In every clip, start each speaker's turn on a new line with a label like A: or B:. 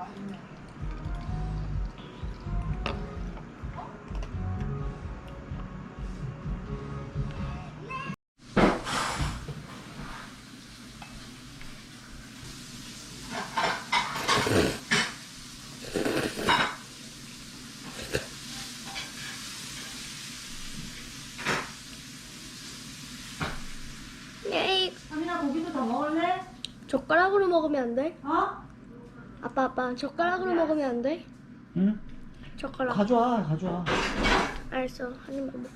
A: 아민아 고기도 더 먹을래?
B: 젓가락으로 먹으면 안 돼?
A: 어?
B: 아빠 젓가락으로 먹으면 안 돼?
C: 응?
B: 젓가락.
C: 가져와.
B: 알았어. 한 입만 먹어.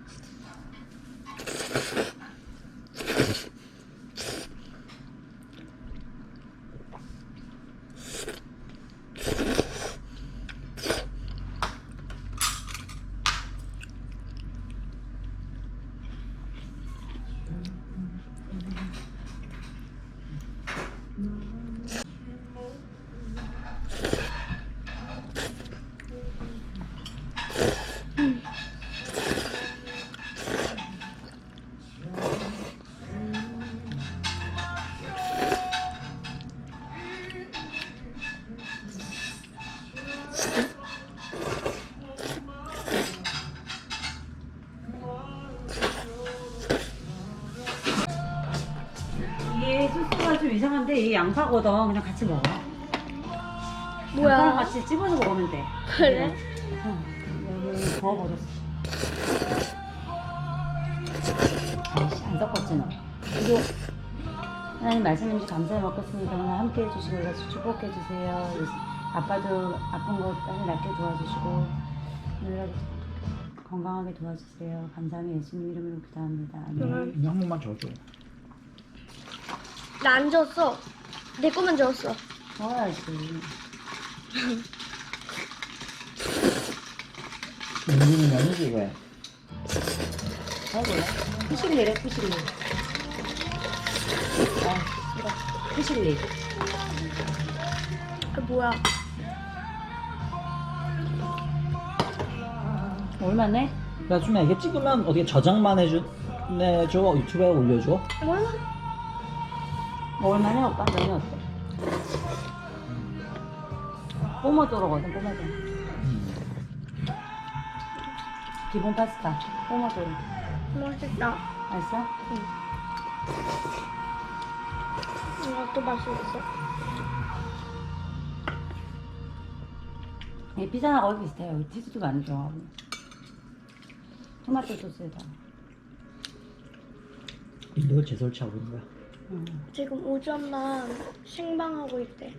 A: 이게 소스가 좀 이상한데 이게 양파거든. 그냥 같이 먹어.
B: 뭐야?
A: 양파랑 같이 집어서 먹으면 돼.
B: 그래?
A: 여기 구워버렸어. 아이씨, 안 섞었지 너. 그리고 하나님 말씀인지 감사히 먹겠습니다. 오늘 함께 해주시고 같이 축복해 주세요. 아빠도 아픈 거 빨리 낫게 도와주시고 오늘 건강하게 도와주세요. 감사하며 예수님 이름으로 기도합니다. 아멘.
C: 이거 한 번만 줘줘.
B: 나 안 줬어. 내 거만 줬어.
A: 먹어야지.
C: 민준이 면이지 왜?
A: 먹어볼래? 푸실리래 푸실리. 아 싫어. 푸실리.
B: 뭐야?
A: 얼마네?
C: 야 수미야 이게 찍으면 어떻게 저장만 해줘 유튜브에 올려줘?
B: 몰라.
A: 먹을만해 오빠? 면이 어때? 뽀모도로거든 뽀모도로. 기본 파스타 뽀모도로.
B: 맛있다.
A: 맛있어?
B: 이것도 맛있어.
A: 이 피자나 거의 비슷해요. 치즈도 많이 들어가고 토마토 소스에다.
C: 이걸 재설치하고 있는 거야?
B: 지금 오전만 생방하고 있대.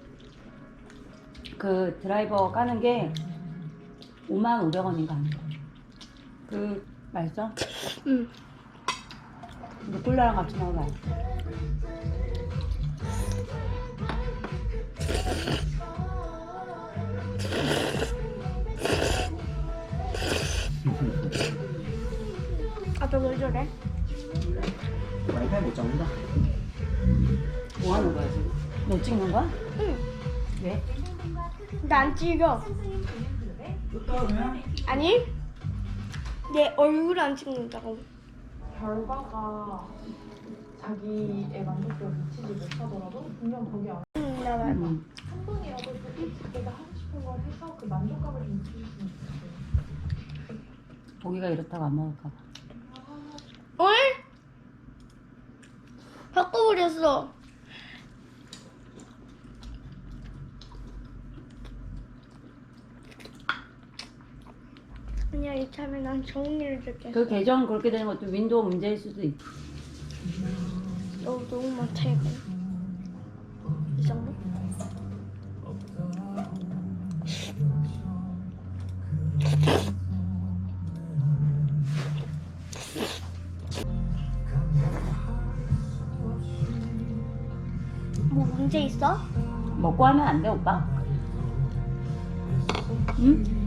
A: 그 드라이버 까는 게 55,500원인가 하는 거. 그 맛있어?
B: 응.
A: 근데 콜라랑 같이 먹으면 맛있어.
B: 아빠 왜 저래?
C: 와이파이 못 잡는다.
A: 뭐 하는 거야 지금? 너 찍는 거야?
B: 응.
A: 왜?
B: 나 안 찍어. 아니? 내 얼굴 안 찍는다고.
D: 결과가 자기의 만족도를 미치지 못하더라도 분명 거기 안에
B: 응, 나 말고.
A: 응.
D: 한 번이라도 내가 하고 싶은 걸 해서 그 만족감을 좀 느끼셨으면 좋겠어요.
A: 고기가 이렇다고 안 먹을까 봐.
B: 어? 바꿔버렸어. 아니야, 이참에 난 정리를 줄게.
A: 그 계정 그렇게 되는 것도 윈도우 문제일 수도 있지.
B: 너무 많다, 이거. 이 정도? 뭐 문제 있어?
A: 먹고 하면 안 돼 오빠? 응?